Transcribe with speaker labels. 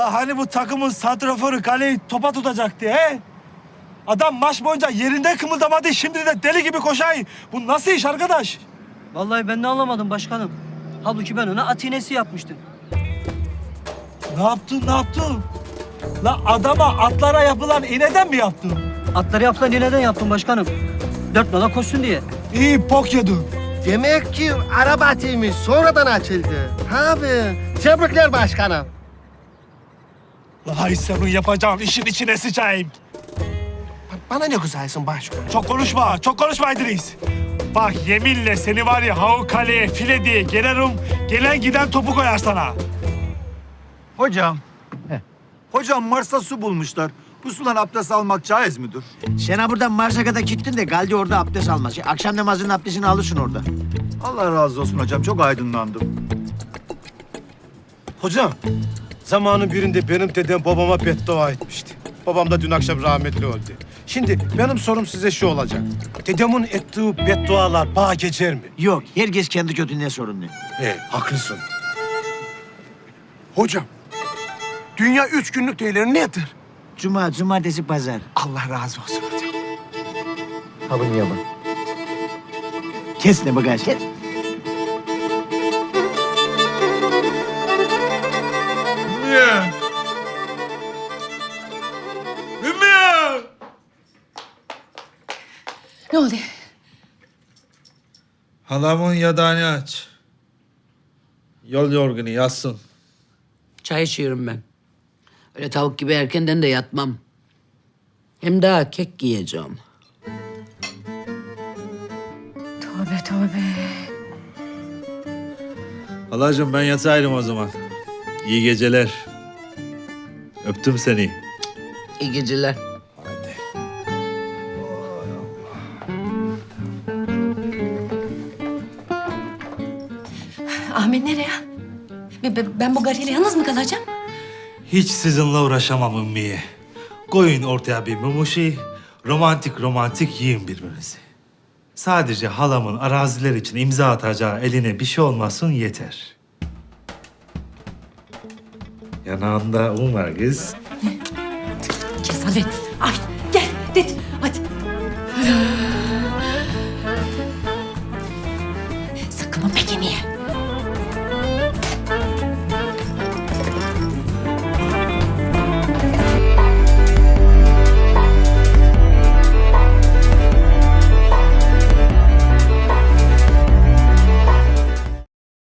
Speaker 1: La hani bu takımın santraforu kaleyi topa tutacaktı he? Adam maç boyunca yerinde kımıldamadı, şimdi de deli gibi koşay. Bu nasıl iş arkadaş?
Speaker 2: Vallahi ben de anlamadım başkanım. Halbuki ben ona at iğnesi yapmıştım.
Speaker 1: Ne yaptın? La adama atlara yapılan iğneden mi yaptın?
Speaker 2: Atları yapılan iğneden yaptım başkanım. 4 nala koşsun diye.
Speaker 1: İyi pok yedin.
Speaker 3: Demek ki araba atıymış, sonradan açıldı. Abi, tebrikler başkanım.
Speaker 1: La hay senin yapacağın işin içine sıçayım.
Speaker 3: Bana ne güzelsin başkanım.
Speaker 1: Çok konuşma İdris. Bak yeminle seni var ya havu kaleye file diye gelirim, gelen giden topu koyar sana.
Speaker 4: Hocam. Hocam Mars'ta su bulmuşlar. Bu sudan abdest almak caiz midir?
Speaker 5: Sen ha buradan Mars'a kadar gittin de Galdi orada abdest almaz. Akşam namazının abdestini alırsın orada.
Speaker 4: Allah razı olsun hocam. Çok aydınlandım.
Speaker 6: Hocam, zamanın birinde benim dedem babama beddua etmişti. Babam da dün akşam rahmetli öldü. Şimdi benim sorum size şu olacak. Dedemin ettiği beddualar bağ geçer mi?
Speaker 5: Yok, herkes kendi kötülüğüne sorumlu.
Speaker 6: Haklısın.
Speaker 3: Hocam, dünya 3 günlük değerleri nedir?
Speaker 5: Cuma, cumartesi, pazar.
Speaker 3: Allah razı olsun hocam.
Speaker 5: Ha bunu yapın. Kes ne bagaj, kes.
Speaker 1: Ümmüye! Ümmüye!
Speaker 7: Ne oldu?
Speaker 1: Halamın yadağını aç. Yol yorgunu yatsın.
Speaker 8: Çay içiyorum ben. Öyle tavuk gibi erkenden de yatmam. Hem daha kek giyeceğim.
Speaker 7: Tövbe tövbe.
Speaker 1: Halacığım ben yatayım o zaman. İyi geceler. Öptüm seni.
Speaker 8: İyi geceler.
Speaker 7: Ahmet nereye? Ben bu garıyla yalnız mı kalacağım?
Speaker 1: Hiç sizinle uğraşamam Ümmiye. Koyun ortaya bir mumuşi, romantik yiyin birbirinizi. Sadece halamın araziler için imza atacağı eline bir şey olmasın yeter. Yanağında un var kız.
Speaker 7: Kesalet. Ay gel dedi. Hadi. Sakın o peki niye?